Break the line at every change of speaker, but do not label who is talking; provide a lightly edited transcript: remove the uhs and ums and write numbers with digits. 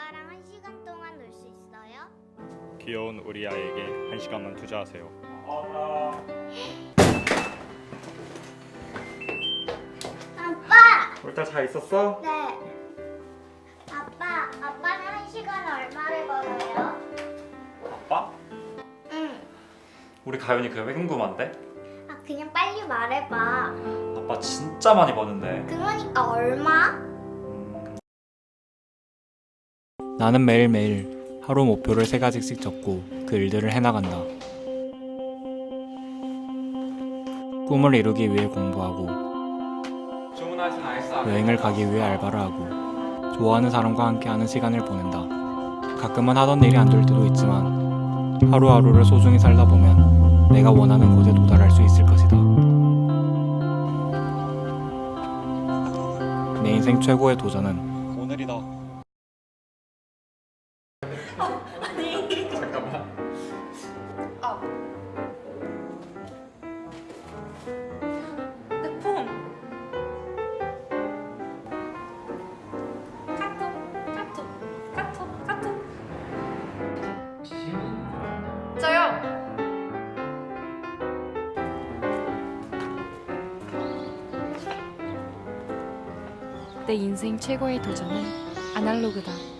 아빠랑 1시간 동안 놀 수 있어요?
귀여운 우리 아이에게 1시간만 투자하세요.
아빠!
우리 딸 잘 있었어?
네. 아빠는 1시간에 얼마를 벌어요?
아빠?
응.
우리 가연이 그게 왜 궁금한데?
그냥 빨리 말해봐.
아빠 진짜 많이 버는데.
그러니까 얼마?
나는 매일매일 하루 목표를 3가지씩 적고 그 일들을 해나간다. 꿈을 이루기 위해 공부하고, 여행을 가기 위해 알바를 하고, 좋아하는 사람과 함께하는 시간을 보낸다. 가끔은 하던 일이 안 될 때도 있지만 하루하루를 소중히 살다 보면 내가 원하는 곳에 도달할 수 있을 것이다. 내 인생 최고의 도전은 오늘이다.
잠깐만.
내 폰. 카톡. 저요.
내 인생 최고의 도전은 아날로그다.